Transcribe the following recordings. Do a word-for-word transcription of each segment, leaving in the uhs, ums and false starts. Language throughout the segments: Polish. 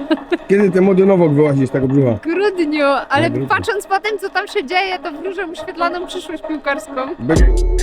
Kiedy ten młody nowok wyłazi z tego brzucha? W grudniu, ale grudniu. patrząc po tym, co tam się dzieje, to wróżę mu świetlaną przyszłość piłkarską. Be-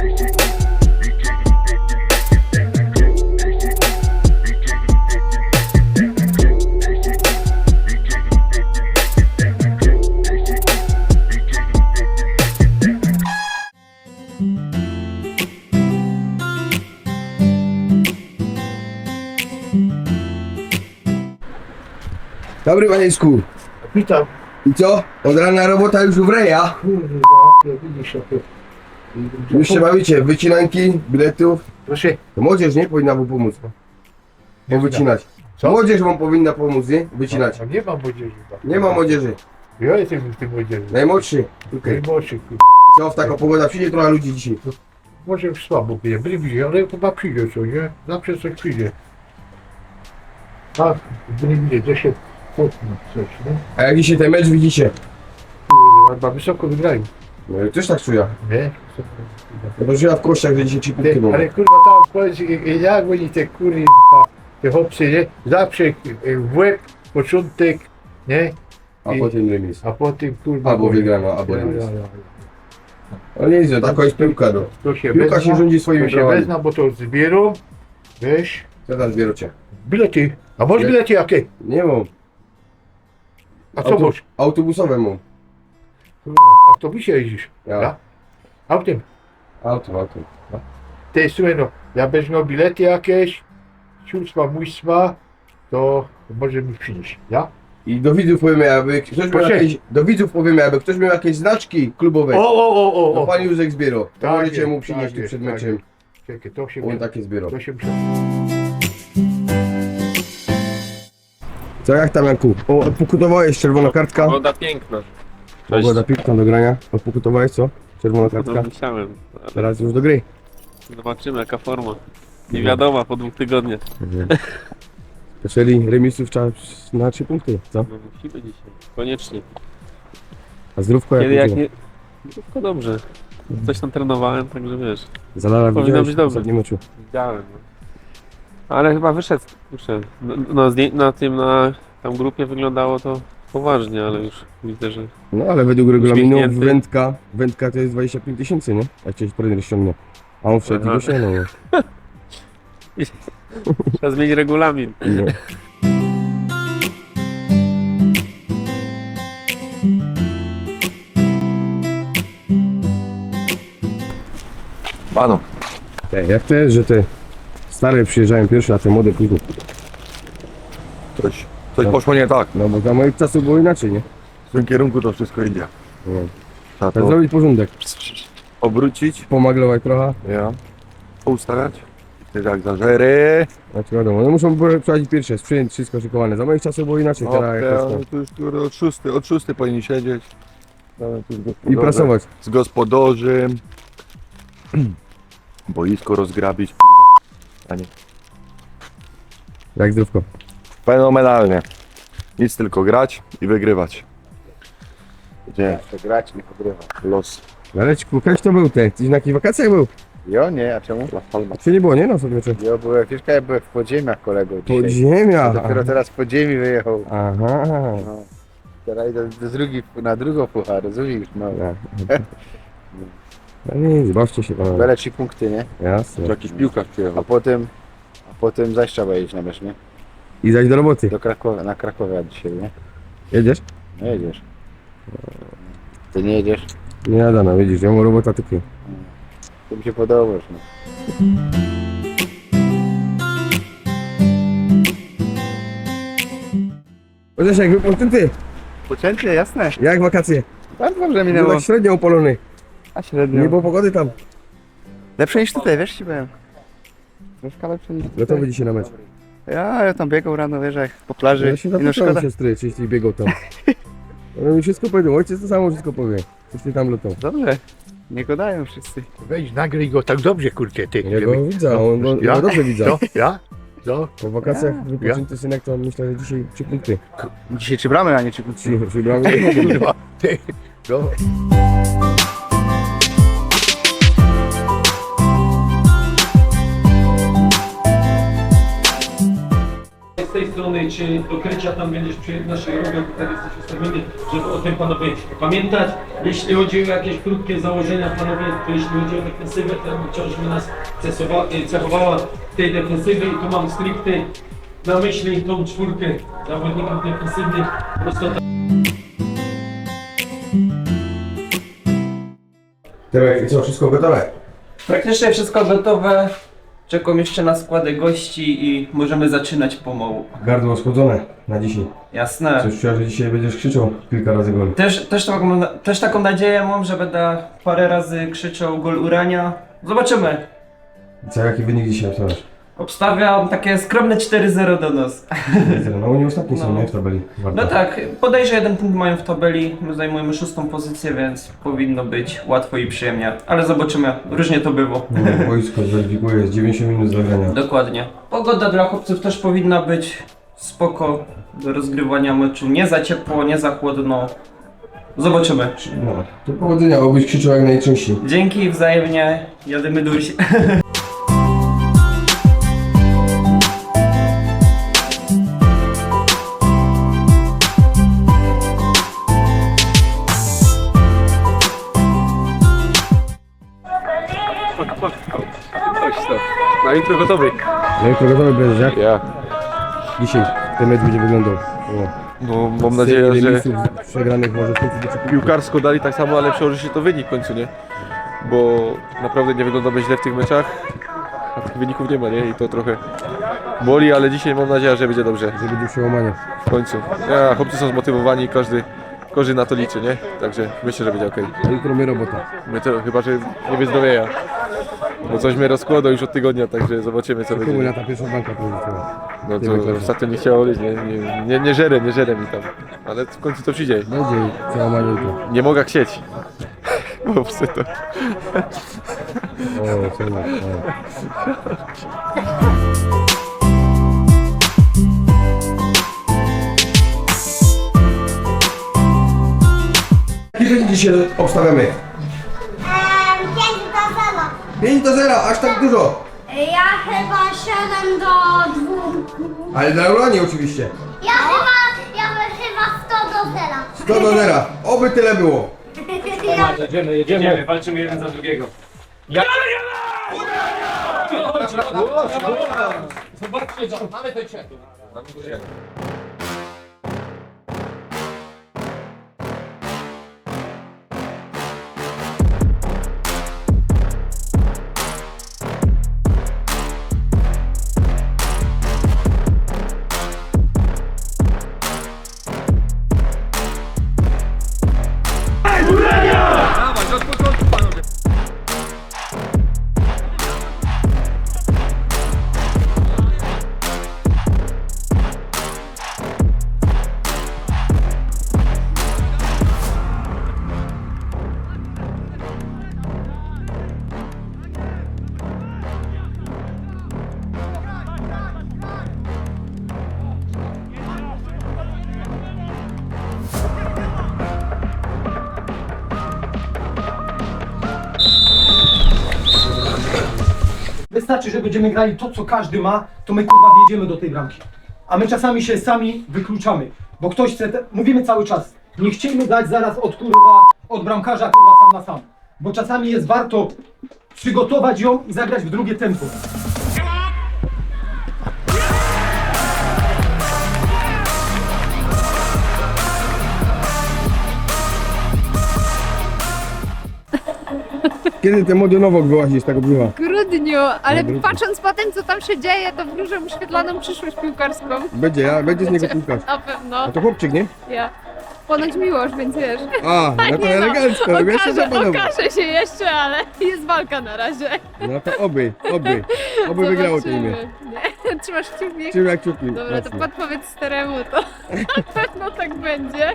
Dobry panieńsku. Witam. I co? Od rana robota już wreja. Kurwa, nie widzisz jak to. Już się bawicie, wycinanki, biletów. Proszę. To młodzież nie powinna mu pomóc. Bo wycinać. Co? Młodzież wam powinna pomóc, nie? Wycinać. A nie ma młodzieży. Nie ma młodzieży. Ja jestem w tym młodzieży. Najmłodszy. Tutaj. Najmłodszy, kurwa. Co w taka pogoda? Przyjdzie trochę ludzi dzisiaj. Może już słabo będzie, byli bliżej, ale chyba przyjdzie coś, nie? Zawsze coś przyjdzie. Tak, byli bliżej, to się potnę coś, nie? A jak dzisiaj ten mecz widzicie? Kurwa, chyba wysoko wygrają. No ja też tak czuję. Nie? No żyła w kościach, że dzisiaj trzy punkty Ty, było. ale kurwa tam powiedz, jak oni te kurwa, te chłopcy, nie? Zawsze w łeb, początek, nie? A I- potem remis. A potem kurwa... Albo gorzej. wygrana, albo Ja, remis. ja, ja. No nie jest, taka jest piłka, no. To się Piłka wezna, się rządzi swoimi to się prawami. wezna, bo to zbierą, wiesz, Co tam zbieracie? bilety. A masz Nie. bilety jakie? Nie mam. A co Auto- masz? Autobusowe mam. Kurwa, w autobusie jeździsz, Ja. ja? Autem. Auto, auto. Ty, słuchaj no, ja będziesz miał bilety jakieś, sióstma, mójstwa, to może mi przynieść, ja? I do widzów powiemy, jakby ktoś miał Proszę. jakieś, do widzów powiemy, jakby ktoś miał jakieś znaczki klubowe, O, o, o, o, to o. pan Józek zbierał. To Tak możecie jest, mu przynieść tak tu jest, przed tak meczem. Czekaj, to się On takie zbierał. to się muszę... Co, jak tam Janku? O, odpokutowałeś, czerwona kartka. Woda piękna. Pogoda piękna do grania. Odpokutowałeś, co? Czerwona kartka. No, musiałem. Ale Teraz już do gry. zobaczymy jaka forma. Nie wiadomo po dwóch tygodniach. Czyli remisów trzeba na trzy punkty, co? No, musimy dzisiaj. Koniecznie. A zdrówko jak Kiedy jak będzie? nie... No, tylko dobrze. Coś tam trenowałem, także wiesz. Zalara powinno widziałeś być w dobrze. ostatnim meczu. Widziałem. No. Ale chyba wyszedł. wyszedł. No, no, zdję- na tym, na tam grupie wyglądało to poważnie, ale już widzę, że... No ale według regulaminu Uśmiechnięty. wędka, wędka to jest dwadzieścia pięć tysięcy, nie? Jak cię trener ściągnie. A on wszedł i Aha. go ściągnął. nie? Trzeba zmienić regulamin. No. Panu, Ej, jak to jest, że te stare przyjeżdżają pierwsze, a te młode później? coś, coś No. poszło nie tak. No bo za moich czasów było inaczej, nie? W tym kierunku to wszystko idzie. No. Trzeba Trzeba to zrobić porządek. obrócić, Pomaglować trochę. ja, poustawiać. Ty jak zażery. Znaczy wiadomo, no muszą prowadzić pierwsze, sprzęt, wszystko szykowane. Za moich czasów było inaczej, No, teraz ja, jakoś tam. tu już kurde, od szósty, od szósty powinni siedzieć. Nawet tu z I gospodarzem- prasować. Z gospodarzem. Boisko rozgrabić, kurwa. A nie. Jak zdrówko. Fenomenalnie. Nic tylko grać i wygrywać. Gdzie? To grać, nie pogrywa. Los. Leleczku, kiedyś to był ten, gdzieś na jakich wakacjach był? Jo, nie, a czemu? La Palma. Czy nie było, nie? No sobie meczu. Jo, byłem, wiesz, ja byłem w podziemiach kolego dzisiaj. Podziemia! Dopiero teraz z podziemi wyjechał. Aha. No. Teraz idę do drugi, na drugą puchar, rozumiesz? No. Tak. No nic, bawcie się panowie. Bele trzy punkty, nie? Jasne. Tu jakiś piłkarz A przyjechał. potem, a potem zaś trzeba jeść na mecz, nie? I zaś do roboty. Do Krakowa, na Krakowie dzisiaj, nie? Jedziesz? No jedziesz. Ty nie jedziesz? Nie jada, no widzisz, ja mam robota tylko. To mi się podobasz, no. Chociaż jak wypłynę ty, Poczęcie, jasne. jak wakacje? Bardzo dobrze Był minęło. tak średnio opalony. A średnio. Nie było pogody tam. Lepsze niż tutaj, wiesz, ci byłem. Troszkę lepsze niż tutaj. Gotowy dzisiaj na mecz. Ja, ja tam biegał rano, wiesz, jak po plaży. Ja się I no zapytałem szkoda. siostry, czy jeśli biegał tam. On mi wszystko powiedział, ojciec to samo wszystko powie. Coś ty tam lutał. Dobrze. Nie gadają wszyscy. Weź, nagraj go tak dobrze, kurczę, ty. Ja go widzę, on go Ja? ja dobrze widzę. Co? Ja? Co? Po wakacjach wypoczęty synek to myślę, że dzisiaj trzy punkty. Dzisiaj trzy bramy, a nie trzy punkty. Trzy, trzy bramy. Kurwa, ty. No. Z tej strony strony, czy do Krycia tam będziesz przy naszej robią, tutaj jesteś ustawiony, żeby o tym panowie pamiętać. Jeśli chodzi o jakieś krótkie założenia panowie, to jeśli chodzi o defensywę, to wciąż by nas cesowa- cechowała w tej defensywie i tu mam stricte na myśli tą czwórkę zawodników defensywnych. Prosto Tymek, i co, wszystko gotowe? Praktycznie wszystko gotowe. Czekam jeszcze na składy gości i możemy zaczynać pomału. Gardło schłodzone na dzisiaj. Jasne. Coś czuję, że dzisiaj będziesz krzyczał kilka razy gol. Też, też, taką, też taką nadzieję mam, że będę parę razy krzyczał gol Urania. Zobaczymy. I co, jaki wynik dzisiaj obstawiasz? Obstawiam takie skromne cztery zero do nas. No oni ostatni są, No. nie? W tabeli. Warto. No tak, podejrzę jeden punkt mają w tabeli. My zajmujemy szóstą pozycję, więc powinno być łatwo i przyjemnie. Ale zobaczymy, różnie to było. No, wojsko zweryfikuje, jest dziewięćdziesiąt minut zagrania. Dokładnie. Pogoda dla chłopców też powinna być spoko do rozgrywania meczu. Nie za ciepło, nie za chłodno. Zobaczymy. No, to powodzenia, obyś krzyczał jak najczęściej. Dzięki, wzajemnie. Jadymy dusi. Na jutro gotowy. No i to gotowy będziesz, jak? Ja. Dzisiaj ten mecz będzie wyglądał. O. No mam nadzieję, Serii że remisów przegranych może w końcu do czego. piłkarsko dali tak samo, ale przełoży się to wynik w końcu, nie? Bo naprawdę nie wyglądamy źle w tych meczach, a tych wyników nie ma, nie? I to trochę boli, ale dzisiaj mam nadzieję, że będzie dobrze. Że będzie przełamanie. W końcu. Ja, chłopcy są zmotywowani, każdy, każdy na to liczy, nie? Także myślę, że będzie okej. A jutro my robota. My to chyba, że nie wyzdrowieja. Bo coś mnie rozkłada już od tygodnia, także zobaczymy co Komu będzie. na ta pierwsza banka powiedziała? No nie wiem, to ostatnio nie chciało być, nie, nie, nie, nie żerę, nie żerę mi tam. Ale w końcu to przyjdzie. Będzie przełamanie jutro. Nie mogę chcieć. Bo psy to. O, co na, o. Jaki wynik dzisiaj obstawiamy? pięć do zera. pięć do zera, aż tak dużo. Ja chyba siedem do dwóch. Ale dla Uranii oczywiście. Ja chyba, ja chyba sto do zera. sto do zera. Oby tyle było. Ja, jedziemy, jedziemy, walczymy jeden za drugiego. Ja... Zobaczcie, mamy ten cię. Wystarczy, że będziemy grali to, co każdy ma, to my kurwa wjedziemy do tej bramki. A my czasami się sami wykluczamy, bo ktoś chce, te... mówimy cały czas, nie chcielibyśmy dać zaraz od kurwa, od bramkarza kurwa sam na sam. Bo czasami jest warto przygotować ją i zagrać w drugie tempo. Kiedy ten młody nowok wyłazi z tego brzucha? W grudniu, ale W grudniu. patrząc po tym, co tam się dzieje, to wróżę mu świetlaną przyszłość piłkarską. Będzie, ja, będzie z niego piłkarz. Na pewno. A to chłopczyk, nie? Ja. Ponoć miłość, więc wiesz. A, no to Nie no, elegancko, no jeszcze okaże, zapanował. okaże się jeszcze, ale jest walka na razie. No to oby, oby. Oby wygrało to imię. Nie, trzymasz kciuki? Czym jak czuki. Dobra, to jasne. podpowiedz staremu, to na pewno tak będzie.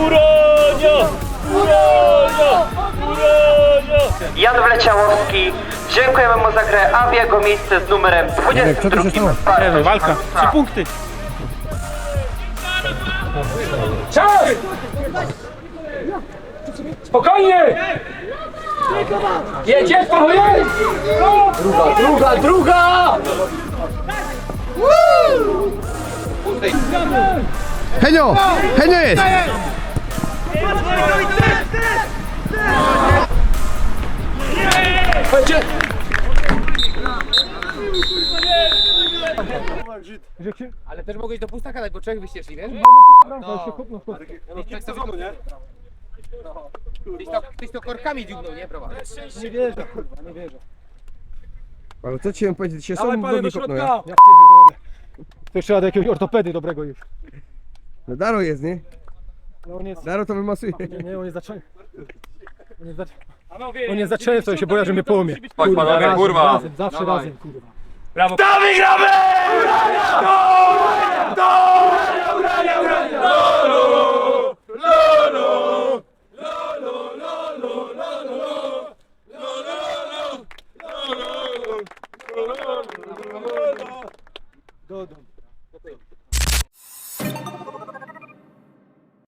Jan Wleciałowski, dziękujemy mu za grę, a w jego miejsce z numerem Co to się stało? Walka. Trzy punkty. Spokojnie! Jedzie, spokojnie! Druga, druga, druga! Henio! Henio jest! Ale też mogłeś do pustaka dać, bo trzech byście szli, wiesz? No, tak sezonu, nie? Tyś to, tyś to korkami dziubnął, nie? Brawa. Nie wierzę, kurwa, nie wierzę. Ale co ci mam powiedzieć? Się sam w nogi kopnął, ja? Ja pierdolę. To jeszcze trzeba do jakiegoś ortopedy dobrego już. No Daro jest, nie? No on jest... Daro to wymasuje. Nie, nie, on jest zaczęty. On jest zaczęty. On jest zaczęty, to się boję, że mnie połamie. Kurwa, panowie, razem, kurwa. razem, zawsze razem, kurwa. Brawo! Wygramy!